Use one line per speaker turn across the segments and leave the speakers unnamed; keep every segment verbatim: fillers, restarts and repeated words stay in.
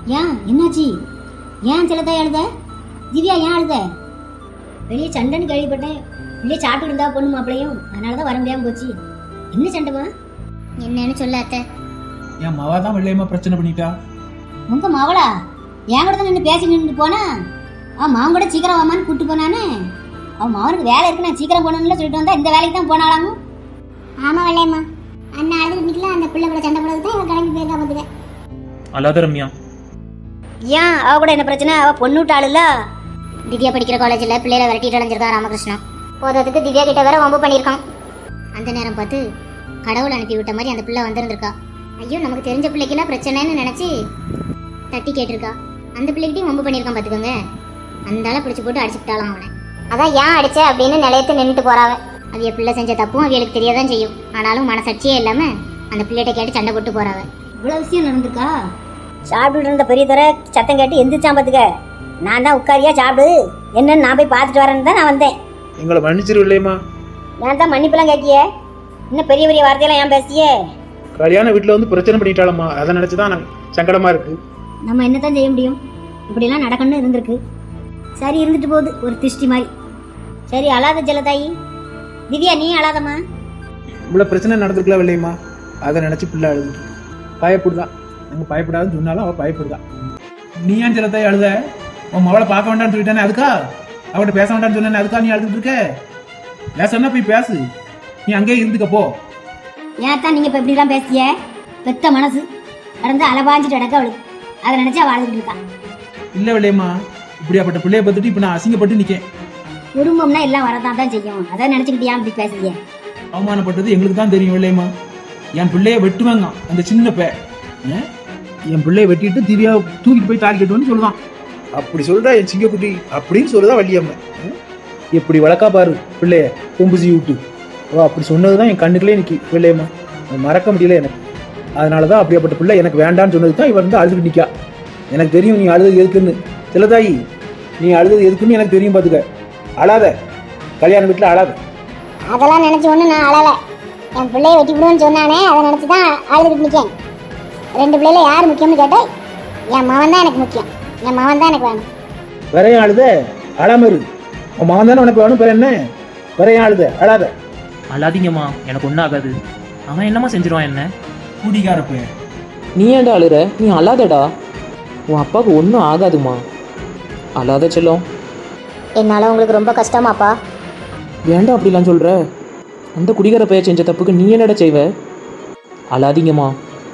ஏன் என்னாச்சு? ஏன் செல்லத்தாய் அழுத? திவ்யா ஏன் அழுத? வெளியே சண்டைன்னு கேள்விப்பட்டேன். வெளியே சாப்பிட்டு இருந்தா பொண்ணு மாப்பிளையும், அதனாலதான் வர முடியாம போச்சு. என்ன சண்டைமா?
என்னன்னு சொல்ல அத்தை.
என் மவா தான் வெள்ளையம்மா பிரச்சனை பண்ணிட்டா.
உங்க மவளா? என் கூட தான் நின்று பேசி நின்று போனா. அவன் மாவன் கூட சீக்கிரம் வாமான்னு கூப்பிட்டு போனானே. அவன் மாவனுக்கு வேலை இருக்கு, நான் சீக்கிரம் போனோம்னு சொல்லிட்டு வந்தா இந்த வேலைக்கு தான் போனாலாமோ.
ஆமா வெள்ளையம்மா, அண்ணா அழுது நிக்கல, அந்த பிள்ளை கூட சண்டை போடுறது தான் இவன் கிளம்பி போயிருக்கா பாத்துக்க.
அல்லாத ரம்யா,
ஏன் அவ கூட என்ன பிரச்சனை? அவ பொண்ணு விட்டாளுல.
திவ்யா படிக்கிற காலேஜில் பிள்ளையில விரட்டிட்டு அலைஞ்சிருக்கான் ராமகிருஷ்ணன். போதத்துக்கு திவ்யா கிட்ட வேற வம்பு பண்ணியிருக்கான். அந்த நேரம் பார்த்து கடவுள் அனுப்பி விட்ட மாதிரி அந்த பிள்ளை வந்திருந்திருக்கா. ஐயோ நமக்கு தெரிஞ்ச பிள்ளைக்குலாம் பிரச்சனைன்னு நினச்சி தட்டி கேட்டிருக்கா. அந்த பிள்ளைகிட்டையும் வம்பு பண்ணியிருக்கான் பார்த்துக்கோங்க. அந்தால பிடிச்சி போட்டு அடிச்சுட்டாலாம் அவனை. அதான் ஏன் அடிச்ச அப்படின்னு நிலையத்து நின்றுட்டு போறாவ. அது என் பிள்ளை செஞ்ச தப்பும் அவளுக்கு தெரியாதான் செய்யும். ஆனாலும் மனசாட்சியே இல்லாமல் அந்த பிள்ளைகிட்ட கேட்டு சண்டை போட்டு போறாவ.
இவ்வளவு விஷயம் நடந்திருக்கா? சாப்பிட்டு இருந்த பெரிய தர சத்தம் கேட்டு எந்திரிச்சான் பாத்துக்க. நான் தான் உட்காரியா சாப்பிடு என்னன்னு நான் போய் பார்த்துட்டு வரேன்னு தான் நான் வந்தேன்.
எங்களை மன்னிச்சிரு இல்லையம்மா.
நான் தான் மன்னிப்பெல்லாம் கேட்கிய. இன்னும் பெரிய பெரிய வார்த்தையெல்லாம் ஏன் பேசியே?
கல்யாண வீட்டில் வந்து பிரச்சனை பண்ணிட்டாளம்மா, அதை நினச்சிதான் எனக்கு சங்கடமா இருக்கு.
நம்ம என்னத்தான் செய்ய முடியும்? இப்படிலாம் நடக்கணும்னு இருந்திருக்கு. சரி இருந்துட்டு போகுது, ஒரு திருஷ்டி மாதிரி. சரி அழாத ஜலதாயி. திவ்யா நீ அழாதம்மா.
இவ்வளோ பிரச்சனை நடந்திருக்கல வெள்ளையம்மா, அதை நினச்சி பிள்ளை அழுது பயப்படுதான். நாங்கள் பயப்படாதுன்னு சொன்னாலும் அவள் பயப்படுதான். நீ ஏன் ஜலத்தாய் அழுத? உன் மவளை பார்க்க வேண்டாம்னு சொல்லிட்டானே அதுக்கா? அவட்ட பேச வேண்டாம்னு சொன்னானே அதுக்கா நீ அழுதுட்டு இருக்க? பேசன்னா போய் பேசு, நீ அங்கேயே இருந்துக்க போ.
ஏன் தான் நீங்க இப்ப இப்படிலாம் பேசிய? பெத்த மனசு நடந்து அலபாஞ்சிட்டு அடக்க அவளுக்கு, அதை நினைச்சு அவள் அழுதுட்டு இருக்கா.
இல்லை வெள்ளையம்மா, இப்படியாப்பட்ட பிள்ளைய பார்த்துட்டு இப்போ நான் அசிங்கப்பட்டு நிற்கேன்.
குடும்பம்னா எல்லாம் வரதான் தான் செய்யும், அதை நினைச்சுக்கிட்டு ஏன் இப்படி பேசுறீங்க?
அவமானப்பட்டது எங்களுக்கு தான் தெரியும் வெள்ளையம்மா. என் பிள்ளைய வெட்டுவாங்க அந்த சின்ன பே என் பிள்ளைய வெட்டிட்டு திவ்யா தூக்கிட்டு போய் தாலி கட்டுவேன்னு சொல்லுதான். அப்படி சொல்றா என் சிங்கக்குட்டி அப்படின்னு சொல்லுதா வள்ளியம்மா. எப்படி வளர்க்கா பாரு பிள்ளைய கொம்புசி விட்டு. ஓ அப்படி சொன்னதுதான் என் கண்ணுக்குள்ளே நிற்கி வெள்ளையம்மா, மறக்க முடியல எனக்கு. அதனாலதான் அப்படியாப்பட்ட பிள்ளை எனக்கு வேண்டான்னு சொன்னது தான் இவன் வந்து அழுதுட்டு நிற்கா. எனக்கு தெரியும் நீ அழுது எதுக்குன்னு. செல்லதாயி நீ அழுது எதுக்குன்னு எனக்கு தெரியும் பார்த்துக்க. அழாத, கல்யாண வீட்டில் அழாத.
அதெல்லாம் நினைச்சு ஒன்று நான் அழலை. என் பிள்ளைய வெட்டி விடுவோன்னு சொன்னானே, அதை நினச்சி தான் அழுதுகிட்டு நிற்கேன். ரெண்டு பிள்ளைல யார் முக்கியம்னு கேட்டால் என் மகன் தான் எனக்கு முக்கியம். என் மகன் தான் எனக்கு வேணும்.
வேற ஏன் அழுத? அழாம இரு. உன் மகன் தானே உனக்கு வேணும், வேற என்ன? வேற ஏன் அழுத? அழாத.
அழாதீங்கம்மா, எனக்கு ஒன்றும் ஆகாது. அவன் என்னம்மா செஞ்சிருவான் என்ன?
குடிகாரப்ப
நீ ஏன்டா அழுற? நீ அழாதடா, உன் அப்பாவுக்கு ஒன்றும் ஆகாதுமா. அழாத செல்லம்.
என்னால் உங்களுக்கு ரொம்ப கஷ்டமாப்பா.
ஏன்டா அப்படிலாம் சொல்கிற? அந்த குடிகார பையன் செஞ்ச தப்புக்கு நீ என்னடா செய்வ? அழாதீங்கம்மா.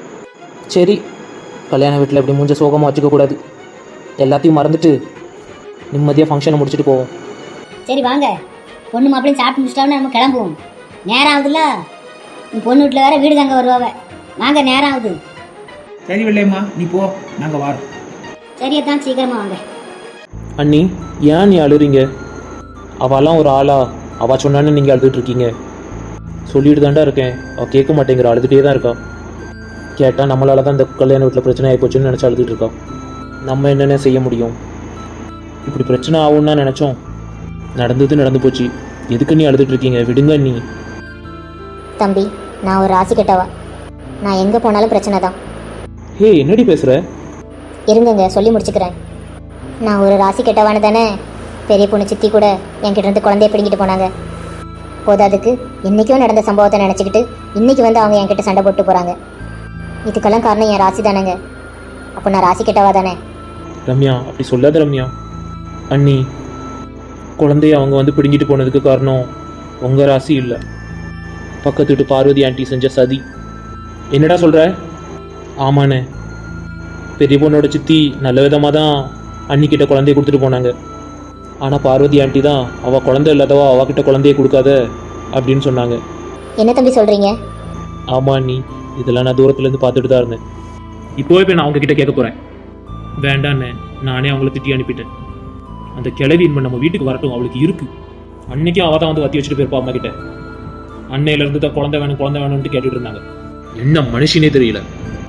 சரி, கல்யாண வீட்டில் இப்படி மூஞ்ச சோகமாக வச்சுக்கக்கூடாது. எல்லாத்தையும் மறந்துட்டு நிம்மதியாக ஃபங்க்ஷனை முடிச்சுட்டு போவோம்.
சரி வாங்க, பொண்ணு மாப்பிளையும் சாப்பிட்டு முடிச்சிட்டாலும் நம்ம கிளம்புவோம். நேரம் ஆகுதுல்ல, உன் பொண்ணு வீட்டில் வேற வீடு தாங்க வருவாவ. வாங்க, நேரம் ஆகுது.
சரி வெள்ளையம்மா நீ போ, நாங்கள் வாரோம்.
சரியத்தான், சீக்கிரமா வாங்க.
அண்ணி ஏன் நீ அழுறீங்க? அவெல்லாம் ஒரு ஆளா? அவள் சொன்னான்னு நீங்கள் அழுதுட்டு இருக்கீங்க. சொல்லிட்டு தாண்டா இருக்கேன், அவள் கேட்க மாட்டேங்கிற, அழுதுகிட்டே தான் இருக்கா. கேட்டால் நம்மளால தான் இந்த கல்யாண வீட்டில் பிரச்சனை ஆகிப்போச்சுன்னு நினச்சி அழுதுட்டு இருக்கா. நம்ம என்னென்ன செய்ய முடியும்? இப்படி பிரச்சனை ஆகும்னு தான் நினச்சோம், நடந்தது நடந்து போச்சு. எதுக்கு நீ அழுதுட்டு இருக்கீங்க? விடுங்க நீ.
தம்பி, நான் ஒரு ராசி கெட்டவா. நான் எங்கே போனாலும் பிரச்சனை தான்.
ஹே, என்னடி பேசுகிற?
இருங்கங்க, சொல்லி முடிச்சுக்கிறேன். நான் ஒரு ராசி கெட்டவானு தானே பெரிய பொண்ணு சித்தி கூட என்கிட்ட இருந்து குழந்தைய பிடிங்கிட்டு போனாங்க. போதாதுக்கு இன்றைக்கும் நடந்த சம்பவத்தை நினச்சிக்கிட்டு இன்றைக்கி வந்து அவங்க என்கிட்ட சண்டை போட்டு போகிறாங்க. இதுக்கெல்லாம் காரணம் என் ராசி தானேங்க. அப்போ நான் ராசி கெட்டவா தானே?
ரம்யா, அப்படி சொல்லாத ரம்யா. அண்ணி, குழந்தைய அவங்க வந்து பிடுங்கிட்டு போனதுக்கு காரணம் உங்கள் ராசி இல்லை, பக்கத்து வீட்டு பார்வதி ஆண்டி செஞ்ச சதி. என்னடா சொல்கிற? ஆமாண்ணே, பெரிய பொண்ணோட சித்தி நல்ல விதமாக தான் அன்னிக்கிட்ட குழந்தைய கொடுத்துட்டு போனாங்க. ஆனால் பார்வதி ஆண்டி தான் அவள் குழந்தை இல்லாதவா அவகிட்ட குழந்தைய கொடுக்காத அப்படின்னு சொன்னாங்க.
என்ன தம்பி சொல்கிறீங்க?
ஆமாம் அண்ணி, இதெல்லாம் நான் தூரத்துலேருந்து பார்த்துட்டு தான் இருந்தேன். இப்போவே போய் நான் அவங்கக்கிட்ட கேட்க போகிறேன். வேண்டாண்ணே, நானே அவங்கள திட்டி அனுப்பிட்டேன். அந்த கிழவி இனிமே நம்ம வீட்டுக்கு வரட்டும், அவளுக்கு இருக்கு. அன்னைக்கும் அவள் தான் வந்து வத்தி வச்சுட்டு போயிருப்பா அம்மா கிட்ட. அன்னையிலேருந்து தான் குழந்தை வேணும் குழந்தை வேணும்னு கேட்டுட்டு இருந்தாங்க. என்ன மனுஷனே தெரியல.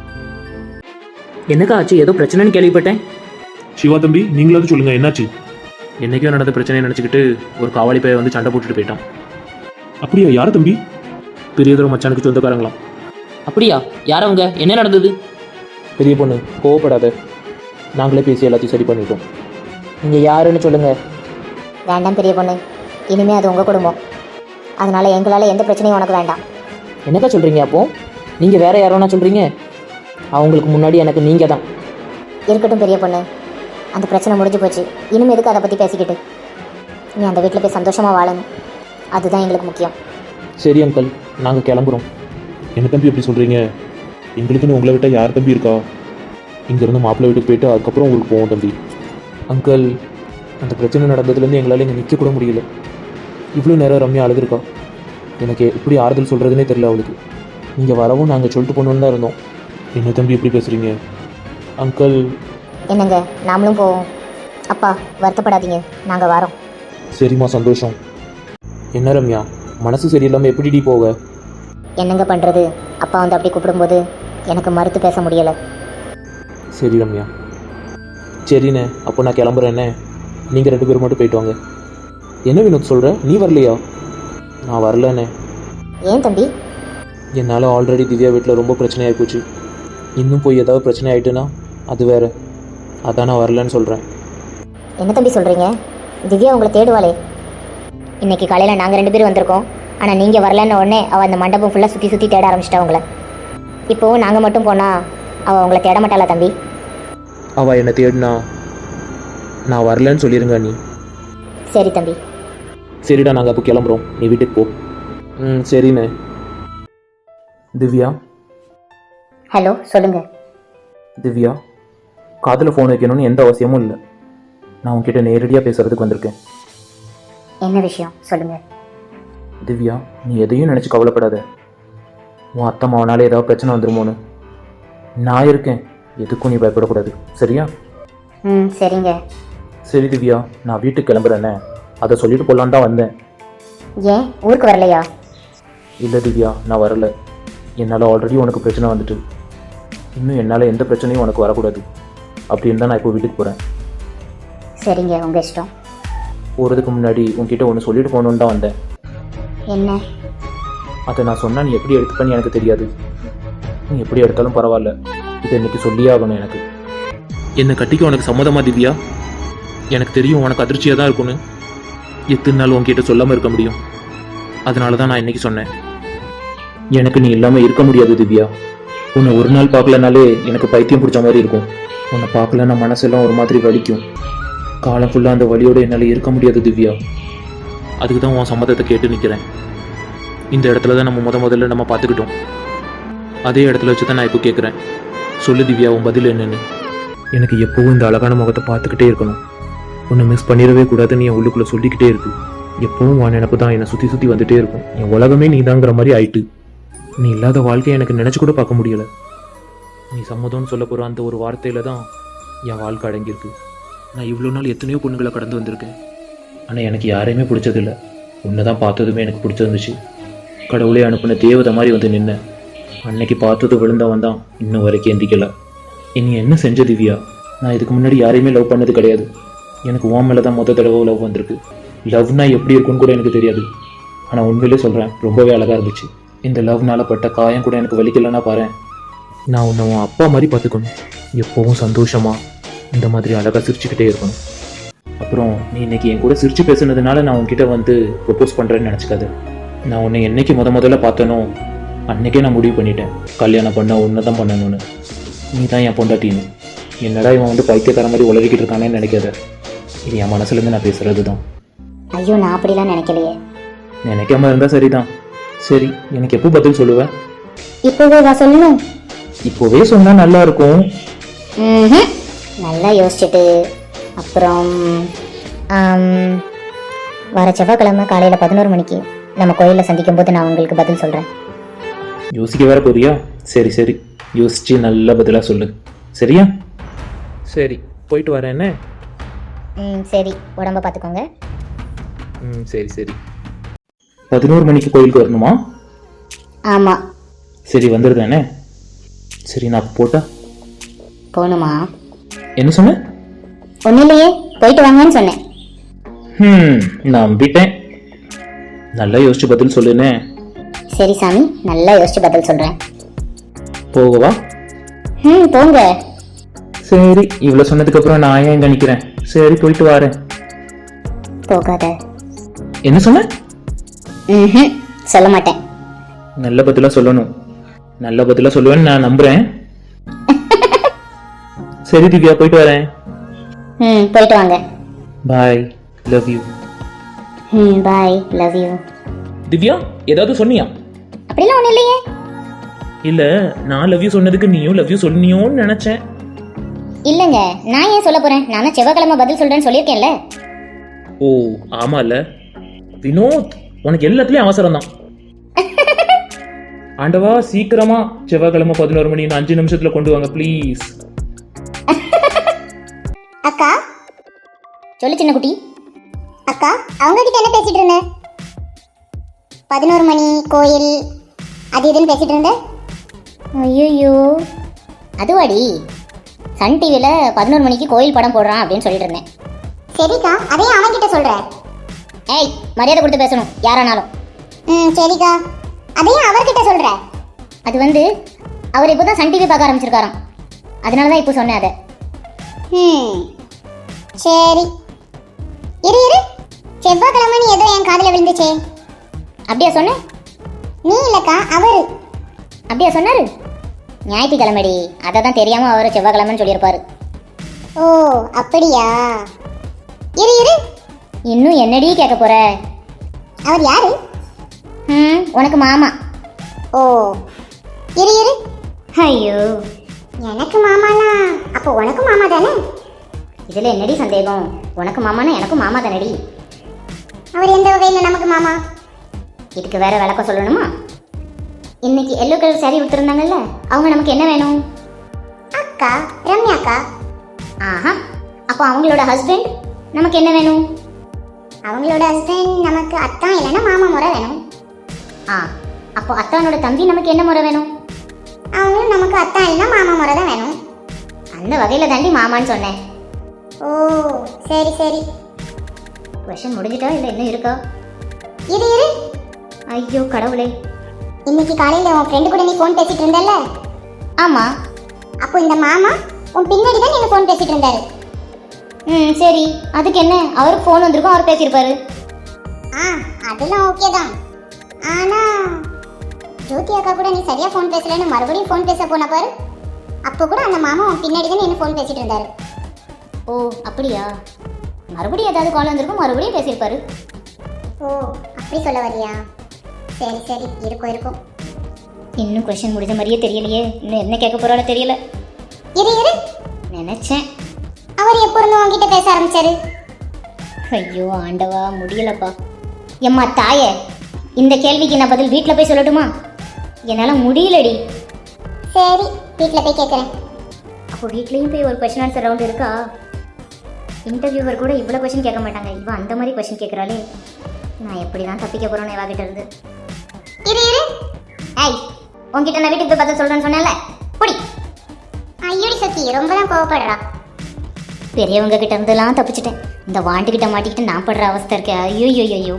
என்னக்கா ஆச்சு? ஏதோ பிரச்சனைன்னு கேள்விப்பட்டேன்.
சிவா தம்பி, நீங்களாவது சொல்லுங்க, என்னாச்சு?
என்னைக்கும் நடந்த பிரச்சனையை நினச்சிக்கிட்டு ஒரு காவாலி பையன் வந்து சண்டை போட்டுட்டு போயிட்டான்.
அப்படியா? யார் தம்பி?
பெரியதொரு மச்சானுக்கு சொந்தக்காரங்களாம்.
அப்படியா? யார் அவங்க? என்ன நடந்தது?
பெரிய பொண்ணு, கோவப்படாத. நாங்களே பேசி எல்லாத்தையும் சரி பண்ணிட்டோம். நீங்கள் யாருன்னு சொல்லுங்கள்.
வேண்டாம் பெரிய பொண்ணு, இனிமே அது உங்கள் குடும்பம். அதனால எங்களால் எந்த பிரச்சனையும் உனக்கு வேண்டாம்.
என்னக்கா சொல்கிறீங்க? அப்போது நீங்கள் வேறு யாரோன்னா சொல்கிறீங்க? அவங்களுக்கு முன்னாடி எனக்கு நீங்கள் தான்.
இருக்கட்டும் பெரிய பொண்ணு, அந்த பிரச்சனை முடிஞ்சு போச்சு. இனிமே எதுக்கு அதை பற்றி பேசிக்கிட்டு? நீ அந்த வீட்டில் போய் சந்தோஷமாக வாழணும், அதுதான் எங்களுக்கு முக்கியம்.
சரி அங்கிள், நாங்கள் கிளம்புறோம்.
என்ன தம்பி எப்படி சொல்கிறீங்க? எங்களுக்குன்னு உங்களை விட்டால் யார் தம்பி இருக்கா? இங்கேருந்து மாப்பிள்ளை வீட்டுக்கு போயிட்டு அதுக்கப்புறம் உங்களுக்கு போவோம் தம்பி.
அங்கிள், அந்த பிரச்சனை நடந்ததுலேருந்து எங்களால் இங்கே நிற்க கூட முடியல. இவ்வளோ நேரம் ரம்யா அழுதுருக்கா. எனக்கு எப்படி ஆறுதல் சொல்கிறதுனே தெரியல அவளுக்கு. நீங்கள் வரவும் நாங்கள் சொல்லிட்டு போகணுன்னு தான் இருந்தோம்.
என்ன தம்பி எப்படி பேசுகிறீங்க?
அங்கிள்,
என்னங்க, நாமளும் போவோம். அப்பா வருத்தப்படாதீங்க, நாங்கள் வரோம்.
சரிம்மா, சந்தோஷம்.
என்ன ரம்யா, மனசு சரியில்லாமல் எப்படிடி போக?
என்னங்க பண்ணுறது, அப்பா வந்து அப்படி கூப்பிடும்போது எனக்கு மறுத்து பேச முடியலை.
சரி ரம்யா, சரிண்ணே, அப்போ நான் கிளம்புறேண்ணே. நீங்கள் ரெண்டு பேரும் மட்டும் போயிட்டு வாங்க. என்ன வினோத் சொல்கிற? நீ வரலையா? நான் வரலண்ணே.
ஏன் தம்பி?
என்னால் ஆல்ரெடி திவ்யா வீட்டில் ரொம்ப பிரச்சனையாகி போச்சு. இன்னும் போய் ஏதாவது பிரச்சனை ஆகிட்டுன்னா அது வேறு. அதான் நான் வரலன்னு சொல்கிறேன்.
என்ன தம்பி சொல்கிறீங்க? திவ்யா உங்களை தேடுவாளே. இன்னைக்கு காலையில் நாங்கள் ரெண்டு பேரும் வந்திருக்கோம், ஆனால் நீங்கள் வரலன்னு உடனே அவள் அந்த மண்டபம் ஃபுல்லாக சுற்றி சுற்றி தேட ஆரம்பிச்சிட்டா உங்களை. இப்போவும் நாங்கள் மட்டும் போனால் அவள் உங்களை தேட மாட்டாளா தம்பி?
அவள் என்னை தேடினா நான் வரலன்னு சொல்லிடுங்க நீ.
சரி தம்பி.
சரிடா, நாங்கள் அப்போ கிளம்புறோம். நீ வீட்டுக்கு போ. ம் சரிண்ணே. திவ்யா.
ஹலோ, சொல்லுங்கள்.
திவ்யா, காதில் ஃபோன் வைக்கணும்னு எந்த அவசியமும் இல்லை. நான் உன்கிட்ட நேரடியாக பேசுகிறதுக்கு வந்திருக்கேன்.
என்ன விஷயம் சொல்லுங்கள்.
திவ்யா, நீ எதையும் நினச்சி கவலைப்படாத. உன் அத்தை மாவனால ஏதாவது பிரச்சனை வந்துருமோன்னு நான் இருக்கேன். எதுக்கும் நீ பயப்படக்கூடாது, சரியா?
ம் சரிங்க.
சரி திவ்யா, நான் வீட்டுக்கு கிளம்புறேன்னே. அதை சொல்லிட்டு போகலான்னு தான் வந்தேன்.
ஏன் ஊருக்கு வரலையா?
இல்லை திவ்யா, நான் வரல. என்னால் ஆல்ரெடி உனக்கு பிரச்சனை வந்துட்டு இன்னும் என்னால் எந்த பிரச்சனையும் உனக்கு வரக்கூடாது அப்படின்னு தான் நான் இப்போ வீட்டுக்கு போகிறேன்.
சரிங்க, உங்கள் இஷ்டம்.
போகிறதுக்கு முன்னாடி உன்கிட்ட ஒன்று சொல்லிட்டு போகணுன்னு தான் வந்தேன்.
என்ன?
அதை நான் சொன்னால் நீ எப்படி எடுத்துப்பேன்னு எனக்கு தெரியாது. நீ எப்படி எடுத்தாலும் பரவாயில்ல, இதை இன்னைக்கு சொல்லியே ஆகணும் எனக்கு. என்னை கட்டிக்க உனக்கு சம்மதமா திவ்யா? எனக்கு தெரியும் உனக்கு அதிர்ச்சியாக தான் இருக்கும்னு. எத்தனை நாள் உன்கிட்ட சொல்லாமல் இருக்க முடியும்? அதனால தான் நான் இன்னைக்கு சொன்னேன். எனக்கு நீ இல்லாமல் இருக்க முடியாது திவ்யா. உன்னை ஒரு நாள் பார்க்கலனாலே எனக்கு பைத்தியம் பிடிச்ச மாதிரி இருக்கும். உன்னை பார்க்கலன்னா மனசெல்லாம் ஒரு மாதிரி வலிக்கும். காலம் ஃபுல்லாக அந்த வலியோடு என்னால் இருக்க முடியாது திவ்யா. அதுக்கு தான் உன் சம்மதத்தை கேட்டு நிற்கிறேன். இந்த இடத்துல தான் நம்ம முத முதல்ல நம்ம பார்த்துக்கிட்டோம். அதே இடத்துல வச்சு தான் நான் இப்போ கேட்குறேன். சொல்லு திவ்யா, உன் பதில் என்னன்னு. எனக்கு எப்போவும் இந்த அழகான முகத்தை பார்த்துக்கிட்டே இருக்கணும். உன்னை மிஸ் பண்ணிடவே கூடாதுன்னு என் உள்ளுக்குள்ளே சொல்லிக்கிட்டே இருக்கு. எப்போவும் உன் நினப்பு தான் என்னை சுற்றி சுற்றி வந்துட்டே இருக்கும். என் உலகமே நீ தாங்கிற மாதிரி ஆயிட்டு. நீ இல்லாத வாழ்க்கையை எனக்கு நினச்சி கூட பார்க்க முடியலை. நீ சம்மதம்னு சொல்ல போகிற அந்த ஒரு வார்த்தையில் தான் என் வாழ்க்கை அடங்கியிருக்கு. நான் இவ்வளோ நாள் எத்தனையோ பொண்ணுங்களை கடந்து வந்திருக்கேன். ஆனால் எனக்கு யாரையுமே பிடிச்சதில்லை. உன்னை தான் பார்த்ததுமே எனக்கு பிடிச்சிருந்துச்சு. கடவுளே அனுப்பின தேவதை மாதிரி வந்து நின்ன. அன்னைக்கு பார்த்தது விழுந்தவன் தான் இன்னும் வரைக்கும் எந்திக்கலை. இனி என்ன செஞ்ச திவ்யா? நான் இதுக்கு முன்னாடி யாரையுமே லவ் பண்ணது கிடையாது. எனக்கு உன் மேலே தான் மொத்த தடவை லவ் வந்திருக்கு. லவ்னா எப்படி இருக்குன்னு கூட எனக்கு தெரியாது. ஆனால் உண்மையிலே சொல்கிறேன், ரொம்பவே அழகாக இருந்துச்சு. இந்த லவ்னால பட்ட காயம் கூட எனக்கு வலிக்கலைன்னா பாரு. நான் உன்னை உன் அப்பா மாதிரி பார்த்துக்கணும். எப்போவும் சந்தோஷமாக இந்த மாதிரி அழகாக சிரிச்சுக்கிட்டே இருக்கணும். அப்புறம் நீ இன்னைக்கு என் கூட சிரிச்சு பேசுனதுனால நான் உன்கிட்ட வந்து ப்ரொப்போஸ் பண்ணுறேன்னு நினச்சிக்காது. நான் உன்னை என்னைக்கு முத முதல்ல பார்த்தனோ அன்னைக்கே நான் முடிவு பண்ணிட்டேன், கல்யாணம் பண்ண ஒன்று தான் பண்ணணும்னு. நீ தான் என் பொண்டாட்டின்னு. என்னடா இவன் வந்து பைத்தியக்கார மாதிரி உளறிக்கிட்டு இருக்கானேன்னு நினைக்காத. இது என் மனசுலேருந்து நான் பேசுறது தான்.
ஐயோ, நான் அப்படிலாம் நினைக்கலையே.
நினைக்காம இருந்தால் சரிதான். சரி, எனக்கு எப்போ பதில் சொல்லுவேன்?
இப்போவே வா சொல்லணும்.
இப்போவே சொன்னால் நல்லா இருக்கும்.
ம் நல்லா யோசிச்சுட்டு அப்புறம் ஆம், வர செவ்வாய்க்கிழமை காலையில் பதினோரு மணிக்கு நம்ம கோயிலில் சந்திக்கும் போது நான் உங்களுக்கு பதில் சொல்கிறேன்.
யோசிக்க வேற போறியா? சரி சரி, யோசிச்சு நல்ல பதிலாக சொல்லு, சரியா? சரி, போயிட்டு வரேன் என்ன?
ம் சரி, உடம்ப பார்த்துக்கோங்க.
ம் சரி சரி. பதினோரு மணிக்கு கோயிலுக்கு வரணுமா?
ஆமாம்.
சரி, வந்துடுதானே? சரி, நான் போட்டா
போகணுமா?
என்ன சொன்ன?
ஒன்றும் இல்லையே, போயிட்டு வாங்கன்னு சொன்னேன்.
ம் நம்பிட்டேன். நல்லா யோசிச்சு பதில் சொல்லுனே.
சரி சாமி, நல்லா யோசிச்சு பதில் சொல்கிறேன்.
போகவா?
ம் போங்க.
சரி இவ்வளோ சொன்னதுக்கப்புறம் நான் ஏன் இங்கே நிற்கிறேன். சரி போயிட்டு வரேன்.
போகாத.
என்ன சொன்ன?
ம் சொல்ல மாட்டேன்.
நல்ல பதிலாக சொல்லணும். நல்ல பதிலாக சொல்லுவேன்னு நான் நம்புறேன். சரி திவ்யா போயிட்டு வரேன்.
ம் போயிட்டு வாங்க.
Bye, love you.
ம் பாய், லவ் யூ.
திவ்யா ஏதாவது சொன்னியா?
அப்படிலாம் ஒன்றும் இல்லையே.
இல்ல நான் லவ் யூ சொன்னதுக்கு நீயும் லவ் யூ சொன்னியோன்னு நினைச்சேன்.
இல்லைங்க, நான் ஏன் சொல்ல போறேன்? நான் தான் செவ்வாய்க்கிழமை பதில் சொல்றேன்னு சொல்லியிருக்கேன்ல.
ஓ ஆமால வினோத், உனக்கு எல்லாத்துலயும் அவசரம் தான். ஆண்டவா சீக்கிரமா செவ்வாய்க்கிழமை பதினோரு மணி அஞ்சு நிமிஷத்துல கொண்டு வாங்க ப்ளீஸ்.
அக்கா சொல்லு சின்ன குட்டி. அக்கா அவங்க கிட்ட என்ன பேசிட்டு இருந்த? பதினோரு மணி கோயில் அது இதுன்னு பேசிட்டு இருந்த. ஐயோ அதுவாடி சன் டிவியில் பதினோரு மணிக்கு கோயில் படம் போடுறான் அப்படின்னு சொல்லிட்டு இருந்தேன். சரிக்கா, அதையும் அவன் கிட்ட சொல்ற. ஏய் மரியாதை கொடுத்து பேசணும் யாரானாலும். ம் சரிக்கா, அதையும் அவர்கிட்ட சொல்ற. அது வந்து அவர் இப்போ தான் சன் டிவி பார்க்க ஆரம்பிச்சிருக்காராம், அதனால தான் இப்போ சொன்னேன் அதை. ம் சரி இரு இரு, செவ்வாய்க்கிழமை நீ ஏதோ என் காதில் விழுந்துச்சே. அப்படியா சொன்ன? நீ இல்லக்கா அவரு. அப்படியா சொன்னாரு? ஞாயிற்றுக்கிழமைடி, அதை தான் தெரியாம அவர் செவ்வாய்க்கிழமைன்னு சொல்லியிருப்பாரு. ஓ அப்படியா? இரு இரு, இன்னும் என்னடி கேட்க போற? அவர் யாரு? ம் உனக்கு மாமா. ஓ இரு இரு. ஐயோ எனக்கு மாமானா அப்போ உனக்கு மாமா தானே? இதுல என்னடி சந்தேகம்? உனக்கு மாமானா எனக்கும் மாமா தானடி. அவர் எந்த வகையில் நமக்கு மாமா? இதுக்கு வேற விளக்கம் சொல்லணுமா? இன்னைக்கு எல்லோ கலர் சாரி கொடுத்துருந்தாங்கல்ல, அவங்க நமக்கு என்ன வேணும்? அக்கா ரம்யா அக்கா. ஆஹா, அப்போ அவங்களோட ஹஸ்பண்ட் நமக்கு என்ன வேணும்? அவங்களோட ஹஸ்பண்ட் நமக்கு அத்தான் இல்லைன்னா மாமா முறை வேணும். ஆ அப்போ அத்தானோட தம்பி நமக்கு என்ன முறை வேணும்? அவங்களும் நமக்கு அத்தான் இல்லைன்னா மாமா முறை தான் வேணும். அந்த வகையில் தாண்டி மாமான்னு சொன்னேன். ஓ சரி சரி. கொஷன் முடிஞ்சிட்டா இல்லை இன்னும் இருக்கா? இரு இரு. ஐயோ கடவுளே, இன்னைக்கு காலையில் உன் ஃப்ரெண்டு கூட நீ ஃபோன் பேசிட்டு இருந்தல்ல? ஆமாம். அப்போ இந்த மாமா உன் பின்னாடி தான் நீங்கள் ஃபோன் பேசிட்டு இருந்தாரு. ம் சரி, அதுக்கு என்ன? அவருக்கு ஃபோன் வந்திருக்கும், அவர் பேசியிருப்பாரு. ஆ அதெல்லாம் ஓகே தான். ஆனால் ஜோதி அக்கா கூட நீ சரியாக ஃபோன் பேசலன்னு மறுபடியும் ஃபோன் பேச போன பாரு, அப்போ கூட அந்த மாமா உன் பின்னாடி தான் என்ன ஃபோன் பேசிட்டு இருந்தாரு. ஓ அப்படியா? மறுபடியும் ஏதாவது கால் வந்திருக்கும், மறுபடியும் பேசியிருப்பாரு. ஓ அப்படி சொல்ல வரியா? சரி சரி, இருக்கும் இருக்கும். இன்னும் கொஸ்டின் முடிஞ்ச மாதிரியே தெரியலையே, இன்னும் என்ன கேட்க போறாளோ தெரியல. இரு இரு, நினைச்சேன். அவர் எப்போ இருந்து உங்ககிட்ட பேச ஆரம்பிச்சாரு? ஐயோ ஆண்டவா முடியலப்பா. எம்மா தாயே, இந்த கேள்விக்கு நான் பதில் வீட்டில் போய் சொல்லட்டுமா? என்னால் முடியலடி. சரி வீட்டில் போய் கேட்குறேன். அப்போ வீட்லேயும் போய் ஒரு கொஸ்டின் ஆன்சர் ரவுண்ட் இருக்கா? இன்டர்வியூவர் கூட இவ்வளோ கொஸ்டின் கேட்க மாட்டாங்க, இவன் அந்த மாதிரி கொஸ்டின் கேட்குறாளே. நான் எப்படி தான் தப்பிக்க போகிறோன்னு இவா கிட்ட இருந்து. இரு இரு. ஐய் உங்ககிட்ட நான் வீட்டுக்கு போய் பதில் சொல்கிறேன்னு சொன்னேன்ல, புடி. ஐயோடி சக்தி ரொம்ப தான் கோவப்படுறா. பெரியவங்க கிட்ட இருந்தெல்லாம் தப்பிச்சிட்டேன், இந்த வாண்டுகிட்ட மாட்டிக்கிட்டு நான் படுற அவஸ்தை இருக்கேன். ஐயோ ஐயோ ஐயோ.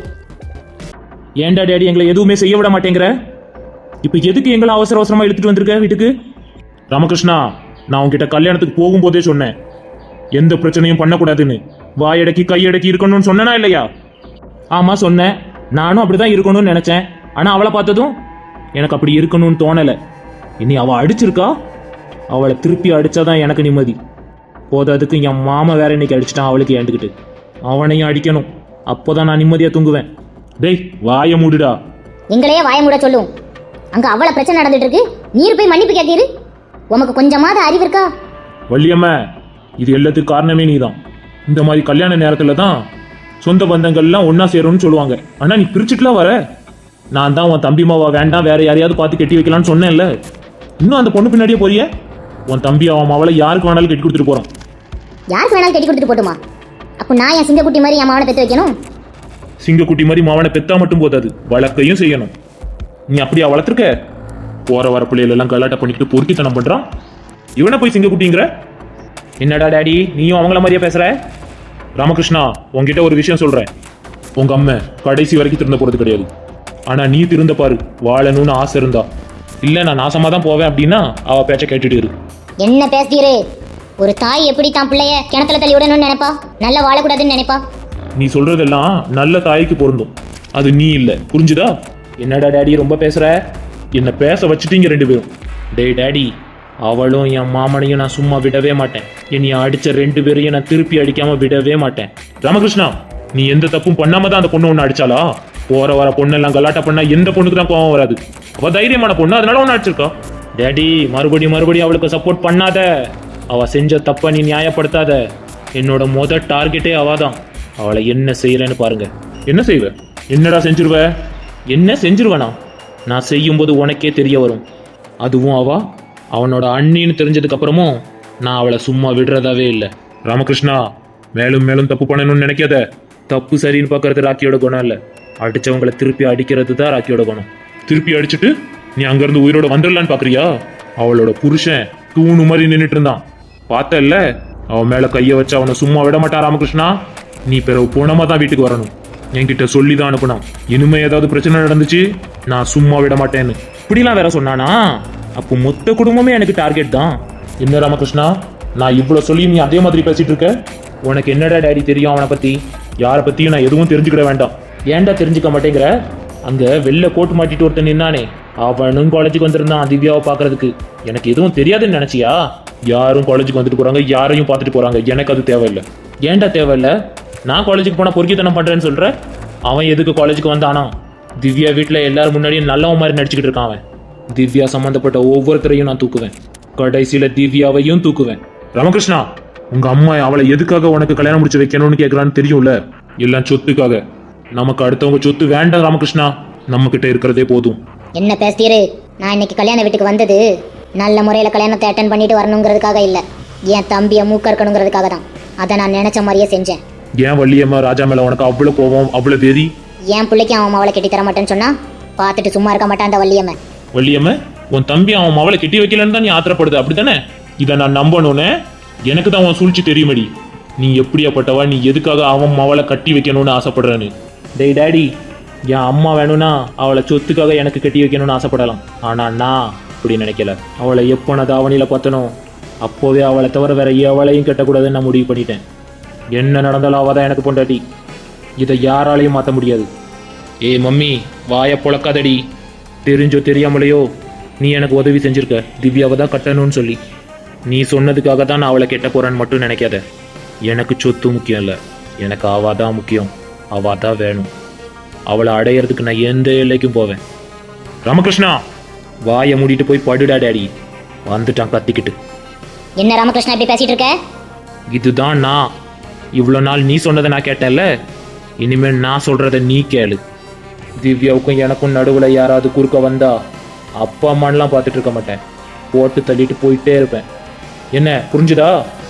ஏன்டா டேடி எங்களை எதுவுமே செய்ய விட மாட்டேங்கிற? இப்போ எதுக்கு எங்களை அவசர அவசரமா எடுத்துட்டு வந்திருக்க வீட்டுக்கு? ராமகிருஷ்ணா, நான் உங்ககிட்ட கல்யாணத்துக்கு போகும்போதே சொன்னேன் எந்த பிரச்சனையும் பண்ணக்கூடாதுன்னு. வாயடக்கி கையடக்கி இருக்கணும்னு சொன்னனா இல்லையா? ஆமா சொன்னேன், நானும் அப்படிதான் இருக்கணும்னு நினைச்சேன். ஆனா அவளை பார்த்ததும் எனக்கு அப்படி இருக்கணும்னு தோணலை. இனி அவள் அடிச்சிருக்கா, அவளை திருப்பி அடிச்சாதான் எனக்கு நிம்மதி. போதாதுக்கு என் மாமா வேற இன்னைக்கு அடிச்சிட்டான் அவளுக்கு ஏண்டுக்கிட்டு. அவனையும் அடிக்கணும், அப்போதான் நான் நிம்மதியா தூங்குவேன். டேய் வாய மூடுடா.
எங்களையே வாய மூட சொல்லும். அங்க அவ்வளவு பிரச்சனை நடந்துட்டு இருக்கு, நீர் போய் மன்னிப்பு கேட்கிரு. உமக்கு கொஞ்சமாவது அறிவு இருக்கா?
வள்ளியம்மா, இது எல்லாத்துக்கும் காரணமே நீதான். இந்த மாதிரி கல்யாண நேரத்துல தான் சொந்த பந்தங்கள்லாம் ஒன்னா சேரும்னு சொல்லுவாங்க. ஆனா நீ பிரிச்சுட்டுலாம் வர. நான் தான் உன் தம்பி மாவா வேண்டாம் வேற யாரையாவது பார்த்து கட்டி வைக்கலாம்னு சொன்னேன்ல, இன்னும் அந்த பொண்ணு பின்னாடியே போறிய? உன் தம்பி அவன் மாவளை யாருக்கு வேணாலும் கட்டி கொடுத்துட்டு போறான்.
யாருக்கு வேணாலும் கட்டி கொடுத்துட்டு போட்டுமா? அப்போ நான் என் சிங்கக்குட்டி மாதிரி என் மாவனை பெற்று வைக்கணும்?
சிங்கக்குட்டி மாதிரி மாவனை பெத்தா மட்டும் போதாது, வளர்க்கையும் செய்யணும். நீ அப்படியா வளர்த்துருக்க? போற வர பிள்ளைகள் எல்லாம் கலாட்டை பண்ணிக்கிட்டு பொறுக்கித்தனம் பண்றான். இவனை போய் சிங்கக்குட்டிங்கிற? என்னடா டேடி நீயும் அவங்கள மாதிரியா பேசுற? ராமகிருஷ்ணா, உங்ககிட்ட ஒரு விஷயம் சொல்றேன். உங்க அம்மா கடைசி வரைக்கும் திருந்த போறது கிடையாது. ஆனா நீ திருந்த பாரு, வாழணும்னு ஆசை இருந்தா. இல்ல நான் நாசமா தான் போவேன் அப்படின்னா அவ பேச்ச கேட்டுட்டு இரு.
என்ன பேசுறீரு? ஒரு தாய் எப்படி தான் பிள்ளைய கிணத்துல தள்ளி விடணும்னு நினைப்பா, நல்லா வாழக்கூடாதுன்னு நினைப்பா.
நீ சொல்றதெல்லாம் நல்ல தாய்க்கு பொருந்தும், அது நீ இல்ல, புரிஞ்சுதா? என்னடா டேடி ரொம்ப பேசுற? என்ன பேச வச்சுட்டீங்க ரெண்டு பேரும். டேய் டேடி, அவளும் என் மாமனையும் நான் சும்மா விடவே மாட்டேன். என்னை அடிச்ச ரெண்டு பேரையும் நான் திருப்பி அடிக்காம விடவே மாட்டேன். ராமகிருஷ்ணா, நீ எந்த தப்பும் பண்ணாம தான் அந்த பொண்ணு ஒன்று அடிச்சாளா? போற வர பொண்ணெல்லாம் கலாட்டா பண்ணா எந்த பொண்ணுக்கு தான் கோவம் வராது. அவ தைரியமான பொண்ணு, அதனால ஒன்று அடிச்சிருக்கா. டேடி, மறுபடியும் மறுபடியும் அவளுக்கு சப்போர்ட் பண்ணாத. அவ செஞ்ச தப்ப நீ நியாயப்படுத்தாத. என்னோட முத டார்கெட்டே அவதான். அவளை என்ன செய்யறேன்னு பாருங்க. என்ன செய்வ? என்னடா செஞ்சிருவ? என்ன செஞ்சிருவனா? நான் செய்யும்போது உனக்கே தெரிய வரும். அதுவும் அவ அவனோட அண்ணின்னு தெரிஞ்சதுக்கு அப்புறமும் நான் அவளை சும்மா விடுறதாவே இல்லை. ராமகிருஷ்ணா, மேலும் மேலும் தப்பு பண்ணணும்னு நினைக்காத. தப்பு சரின்னு பார்க்கறது ராக்கியோட குணம் இல்லை, அடிச்சவங்களை திருப்பி அடிக்கிறது தான் ராக்கியோட குணம். திருப்பி அடிச்சுட்டு நீ அங்கிருந்து உயிரோட வந்துடலான்னு பாக்குறியா? அவளோட புருஷன் தூணு மாதிரி நின்றுட்டு இருந்தான், பார்த்தல்ல? அவன் மேல கைய வச்சு அவனை சும்மா விட மாட்டான். ராமகிருஷ்ணா, நீ பிறகு போனமா தான் வீட்டுக்கு வரணும். என்கிட்ட சொல்லி தான் அனுப்பணும். இனிமே ஏதாவது பிரச்சனை நடந்துச்சு நான் சும்மா விட மாட்டேன்னு. இப்படிலாம் வேற சொன்னானா? அப்போ மொத்த குடும்பமே எனக்கு டார்கெட் தான். என்ன ராமகிருஷ்ணா, நான் இவ்வளவு சொல்லி நீ அதே மாதிரி பேசிட்டு இருக்க? உனக்கு என்னடா டேடி தெரியும் அவனை பத்தி? யாரை பத்தியும் நான் எதுவும் தெரிஞ்சுக்கிட வேண்டாம். ஏன்டா தெரிஞ்சுக்க மாட்டேங்கிற? அங்க வெள்ளை கோட்டு மாட்டிட்டு ஒருத்தன் நின்னானே, அவனும் காலேஜுக்கு வந்திருந்தான் திவ்யாவை பாக்குறதுக்கு. எனக்கு எதுவும் தெரியாதுன்னு நினைச்சியா? யாரும் காலேஜுக்கு வந்துட்டு போறாங்க, யாரையும் பார்த்துட்டு போறாங்க. எனக்கு அது தேவையில்லை. ஏன்டா தேவையில்லை? நான் காலேஜுக்கு போனா பொறுக்கித்தனம் பண்றேன்னு சொல்ற? அவன் எதுக்கு காலேஜுக்கு வந்தானா? திவ்யா வீட்டுல எல்லாரும் முன்னாடியும் நல்லவன் மாதிரி நடிச்சுக்கிட்டு இருக்கான் அவன். திவ்யா சம்பந்தப்பட்ட ஒவ்வொருத்தரையும் நான் தூக்குவேன், கடைசியில திவ்யாவையும் தூக்குவேன். ராமகிருஷ்ணா, உங்க அம்மா அவளை எதுக்காக உனக்கு கல்யாணம் முடிச்சு வைக்கணும்னு கேட்கறான்னு தெரியும்ல? எல்லாம் சொத்துக்காக. நமக்கு அடுத்தவங்க சொத்து வேண்டாம் ராமகிருஷ்ணா, நம்ம கிட்ட இருக்கிறதே போதும்.
என்ன பேசுறீரு? நான் இன்னைக்கு கல்யாண வீட்டுக்கு வந்தது நல்ல முறையில கல்யாணத்தை அட்டன் பண்ணிட்டு வரணுங்கிறதுக்காக இல்ல, என் தம்பியை மூக்க இருக்கணுங்கிறதுக்காக தான். அதை நான் நினைச்ச மாதிரியே செஞ்சேன்.
ஏன் வள்ளியம்மா ராஜா மேல உனக்கு அவ்வளவு கோபம், அவ்வளவு வெறி?
என் பிள்ளைக்கு அவன் அவளை கட்டி தர மாட்டேன்னு சொன்னா பார்த்துட்டு சும்மா இருக்க மாட்டான் அந்த வள்ளியம்மன்.
வள்ளியம்மா, உன் தம்பி அவன் அவளை கட்டி வைக்கலன்னு தான் நீ ஆத்திரப்படுது, அப்படித்தானே? இதை நான் நம்பணும்னு எனக்கு தான் உன் சூழ்ச்சி தெரியுமடி. நீ எப்படியாப்பட்டவா? நீ எதுக்காக அவன் அவளை கட்டி வைக்கணும்னு ஆசைப்படுறேன்னு? டேய் டேடி, என் அம்மா வேணும்னா அவளை சொத்துக்காக எனக்கு கட்டி வைக்கணும்னு ஆசைப்படலாம். ஆனா நான் அப்படி நினைக்கல. அவளை எப்போ நான் தாவணியில பார்த்தனோ அப்போவே அவளை தவிர வேற எவளையும் கட்டக்கூடாதுன்னு நான் முடிவு பண்ணிட்டேன். என்ன நடந்தாலும் அவள் தான் எனக்கு பொண்டாட்டி. இதை யாராலையும் மாற்ற முடியாது. ஏய் மம்மி, வாயை பொழக்காதடி. தெரிஞ்சோ தெரியாமலையோ நீ எனக்கு உதவி செஞ்சிருக்க, திவ்யாவை தான் கட்டணும்னு சொல்லி. நீ சொன்னதுக்காக தான் நான் அவளை கெட்ட போறேன்னு மட்டும் நினைக்காத. எனக்கு சொத்து முக்கியம் இல்லை, எனக்கு அவா தான் முக்கியம். அவா தான் வேணும். அவளை அடையிறதுக்கு நான் எந்த எல்லைக்கும் போவேன். ராமகிருஷ்ணா, வாயை மூடிட்டு போய் படுடா டேடி. வந்துட்டான் கத்திக்கிட்டு.
என்ன ராமகிருஷ்ணா இப்படி பேசிட்டு இருக்க?
இதுதான் நான். இவ்வளோ நாள் நீ சொன்னதை நான் கேட்டேன்ல, இனிமேல் நான் சொல்றத நீ கேளு. திவ்யாவுக்கும் எனக்கும் நடுவில் யாராவது குறுக்க வந்தா அப்பா அம்மான்லாம் பார்த்துட்டு இருக்க மாட்டேன், போட்டு தள்ளிட்டு போயிட்டே இருப்பேன். என்ன புரிஞ்சுதா?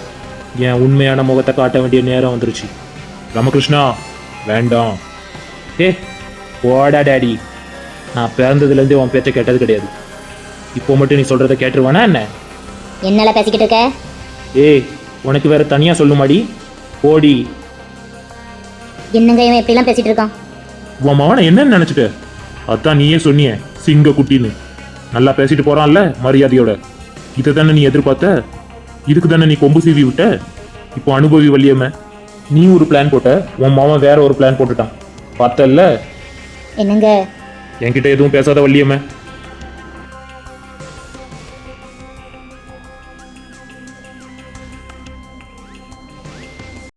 என் உண்மையான முகத்தை காட்ட வேண்டிய நேரம் வந்துருச்சு. ராமகிருஷ்ணா, வேண்டாம். ஏ போடா டேடி, நான் பிறந்ததுலேருந்தே உன் பேச்சை கேட்டது கிடையாது. இப்போ மட்டும் நீ சொல்றதை கேட்டுருவானா என்ன?
என்னால பேசிக்கிட்டு இருக்க?
ஏய், உனக்கு வேற தனியா சொல்லுமாடி, போடி.
என்னங்க இவன் எப்படிலாம் பேசிட்டு இருக்கான்?
உன் மவனை என்னன்னு நினைச்சிட்ட? அதான் நீயே சொன்னிய சிங்க குட்டின்னு. நல்லா பேசிட்டு போறான்ல மரியாதையோட. இதை தானே நீ எதிர்பார்த்த? இதுக்கு தானே நீ கொம்பு சீவி விட்ட? இப்போ அனுபவி வள்ளியம்ம. நீ ஒரு பிளான் போட்ட, உன் மாமன் வேற ஒரு பிளான் போட்டுட்டான், பார்த்தல்ல?
என்னங்க?
என்கிட்ட எதுவும் பேசாத வள்ளியம்ம.